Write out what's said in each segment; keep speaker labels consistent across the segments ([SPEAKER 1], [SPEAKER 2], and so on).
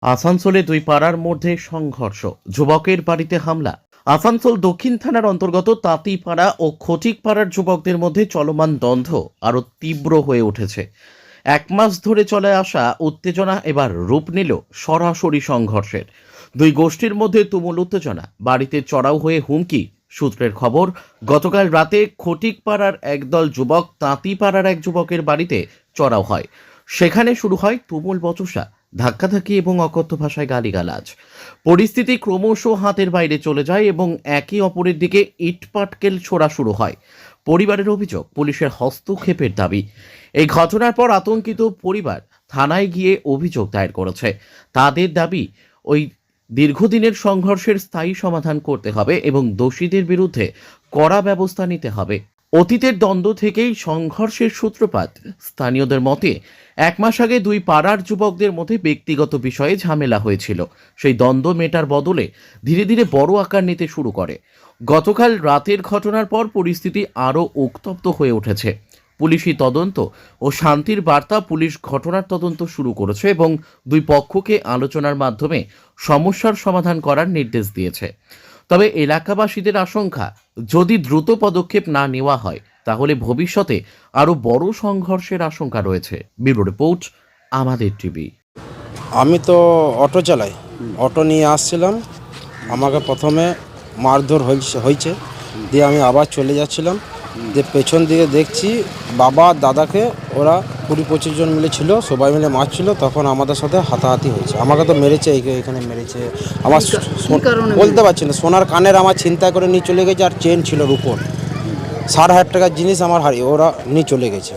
[SPEAKER 1] আসানসোলে দুই পাড়ার মধ্যে সংঘর্ষ, যুবকের বাড়িতে হামলা। আসানসোল দক্ষিণ থানার অন্তর্গত তাঁতিপাড়া ও খটিকপাড়ার যুবকদের মধ্যে চলমান দ্বন্দ্ব আরও তীব্র হয়ে উঠেছে। এক মাস ধরে চলে আসা উত্তেজনা এবার রূপ নিল সরাসরি সংঘর্ষের। দুই গোষ্ঠীর মধ্যে তুমুল উত্তেজনা, বাড়িতে চড়াও হয়ে হুমকি। সূত্রের খবর, গতকাল রাতে খটিকপাড়ার একদল যুবক তাঁতিপাড়ার এক যুবকের বাড়িতে চড়াও হয়। সেখানে শুরু হয় তুমুল বচসা, ধাক্কাধাক্কি এবং অকথ্য ভাষায় গালিগালাজ। পরিস্থিতি ক্রমশ হাতের বাইরে চলে যায় এবং একে অপরের দিকে ইটপাটকেল ছোড়া শুরু হয়। পরিবারের অভিযোগ, পুলিশের হস্তক্ষেপের দাবি। এই ঘটনার পর আতঙ্কিত পরিবার থানায় গিয়ে অভিযোগ দায়ের করেছে। তাদের দাবি, ওই দীর্ঘদিনের সংঘর্ষের স্থায়ী সমাধান করতে হবে এবং দোষীদের বিরুদ্ধে কড়া ব্যবস্থা নিতে হবে। অতীতের দ্বন্দ্ব থেকেই সংঘর্ষের সূত্রপাত। স্থানীয়দের মতে, এক মাস আগে দুই পাড়ার যুবকদের মধ্যে ব্যক্তিগত বিষয়ে ঝামেলা হয়েছিল। সেই দ্বন্দ্ব মেটার বদলে ধীরে ধীরে বড় আকার নিতে শুরু করে। গতকাল রাতের ঘটনার পর পরিস্থিতি আরও উত্তপ্ত হয়ে উঠেছে। পুলিশি তদন্ত ও শান্তির বার্তা, পুলিশ ঘটনার তদন্ত শুরু করেছে এবং দুই পক্ষকে আলোচনার মাধ্যমে সমস্যার সমাধান করার নির্দেশ দিয়েছে। তবে এলাকাবাসীদের আশঙ্কা, যদি দ্রুত পদক্ষেপ না নেওয়া হয় তাহলে ভবিষ্যতে আরও বড় সংঘর্ষের আশঙ্কা রয়েছে। ব্যুরো রিপোর্ট, আমাদের টিভি।
[SPEAKER 2] আমি তো অটো চালাই, অটো নিয়ে আসছিলাম। আমাকে প্রথমে মারধর হয়েছে, দিয়ে আমি আবার চলে যাচ্ছিলাম। দিয়ে পেছন দিকে দেখছি বাবা দাদাকে ওরা 20-25 জন মিলে ছিল, সবাই মিলে মারছিল। তখন আমাদের সাথে হাতাহাতি হয়েছে। আমাকে তো মেরেছে, এখানে মেরেছে। আমার বলতে পারছি না, সোনার কানের আমার ছিনতাই করে নিয়ে চলে গেছে, আর চেন ছিল রূপোর। 60,000 টাকার জিনিস আমার হারিয়ে ওরা নিয়ে চলে গেছে,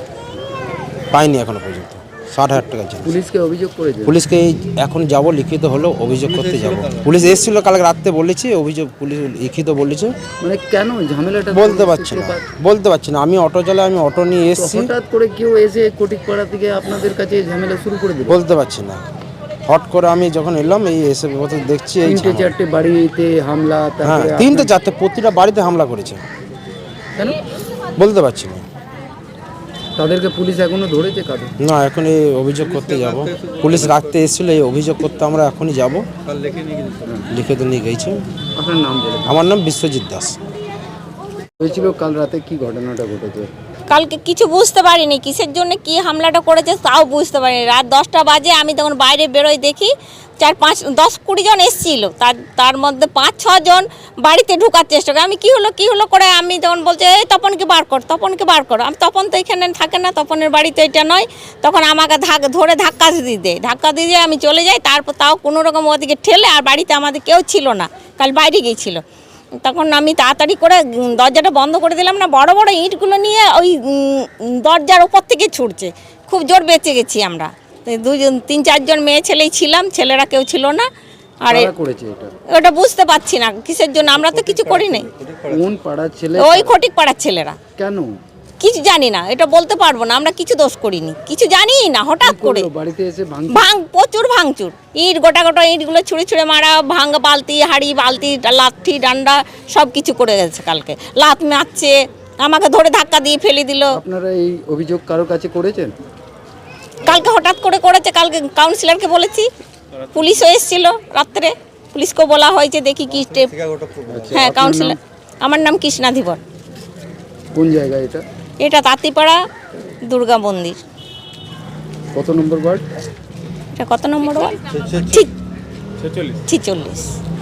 [SPEAKER 2] পাইনি এখনো পর্যন্ত 60,000 টাকার জিনিস।
[SPEAKER 3] পুলিশকে অভিযোগ করেছে?
[SPEAKER 2] পুলিশকে এখন যাব, লিখিত হলো অভিযোগ করতে যাব। পুলিশ এসেছিল কালকে রাত্রে, বলেছি অভিযোগ, পুলিশ লিখিত বলেছে।
[SPEAKER 3] মানে কেন ঝামেলাটা
[SPEAKER 2] বলতে পারছি না। আমি অটো চালাই, আমি অটো নিয়ে এসেছি।
[SPEAKER 3] হঠাৎ করে কেউ এসে কোটিকপাড়া থেকে আপনাদের কাছে ঝামেলা শুরু করে দিল?
[SPEAKER 2] বলতে পারছি না, হট করে আমি যখন এলাম এই এসে দেখছি এই
[SPEAKER 3] 3-4টে বাড়িতে হামলা।
[SPEAKER 2] হ্যাঁ, 3-4টে, প্রতিটা বাড়িতে হামলা করেছে।
[SPEAKER 3] কেন
[SPEAKER 2] বলতে পারছি না।
[SPEAKER 3] তাদেরকে পুলিশ এখনো ধরেছে? কাদের
[SPEAKER 2] না, এখন এই অভিযোগ করতে যাব। পুলিশ রাখতে এসেছিল, এই অভিযোগ করতে আমরা এখনই যাব। লিখিত নিয়ে গেছে।
[SPEAKER 3] আপনার নাম বলে?
[SPEAKER 2] আমার নাম বিশ্বজিৎ দাস।
[SPEAKER 3] হয়েছিল কাল রাতে, কি ঘটনাটা ঘটেছে?
[SPEAKER 4] কালকে কিছু বুঝতে পারিনি, কিসের জন্য কি হামলাটা করেছে তাও বুঝতে পারিনি। রাত 10টা বাজে, আমি তখন বাইরে বেরোই, দেখি 4-5-10-20 জন এসেছিল। তার মধ্যে 5-6 জন বাড়িতে ঢোকার চেষ্টা করে। আমি কি হলো করে আমি তখন বলছে, এই তপনকে বার কর। আমি তপন তো এখানে থাকে না, তপনের বাড়ি তো এটা নয়। তখন আমাকে ধরে ধাক্কা দিয়ে আমি চলে যাই। তারপর তাও কোনো রকম ওদিকে ঠেলে, আর বাড়িতে আমাদের কেউ ছিল না, কাল বাইরে গিয়েছিল। তখন আমি তাড়াতাড়ি করে দরজাটা বন্ধ করে দিলাম না, বড় বড় ইঁটগুলো নিয়ে ওই দরজার ওপর থেকে ছুটছে। খুব জোর বেঁচে গেছি আমরা। 3-4 জন মেয়ে ছেলেই ছিলাম, ছেলেরা কেউ ছিল না। আর ওটা বুঝতে পারছি না কিসের জন্য, আমরা তো কিছু করি নাই।
[SPEAKER 3] কোন পাড়ার ছেলে?
[SPEAKER 4] ওই খটিক পাড়ার ছেলেরা।
[SPEAKER 3] কেন?
[SPEAKER 4] কিছু জানি না, এটা বলতে পারবো না, আমরা কিছু দোষ করিনি, কিছু জানি না। হঠাৎ করে
[SPEAKER 3] বাড়িতে এসে
[SPEAKER 4] প্রচুর ভাঙচুর, ইট গোটা ইটগুলো ছুঁড়ে মারা, ভাঙা বালতি, হাঁড়ি, বালতি, লাঠি, ডান্ডা সব কিছু করে গেছে। কালকে লাত মারছে, আমাকে ধরে ধাক্কা দিয়ে ফেলে দিল।
[SPEAKER 3] আপনারা এই অভিযোগ কারো কাছে করেছেন?
[SPEAKER 4] কালকে হঠাৎ করে করেছে। কালকে কাউন্সিলরকে বলেছি, পুলিশও এসেছিল রাত্রে, পুলিশকেও বলা হয়েছে, দেখি কি স্টেপ। হ্যাঁ, কাউন্সিলর। আমার নাম কৃষ্ণা ধীবর।
[SPEAKER 3] কোন জায়গা এটা?
[SPEAKER 4] এটা তাঁতিপাড়া দুর্গা মন্দির।
[SPEAKER 3] কত নম্বর ওয়ার্ড?
[SPEAKER 4] এটা কত নম্বর ওয়ার্ড? ঠিক 46।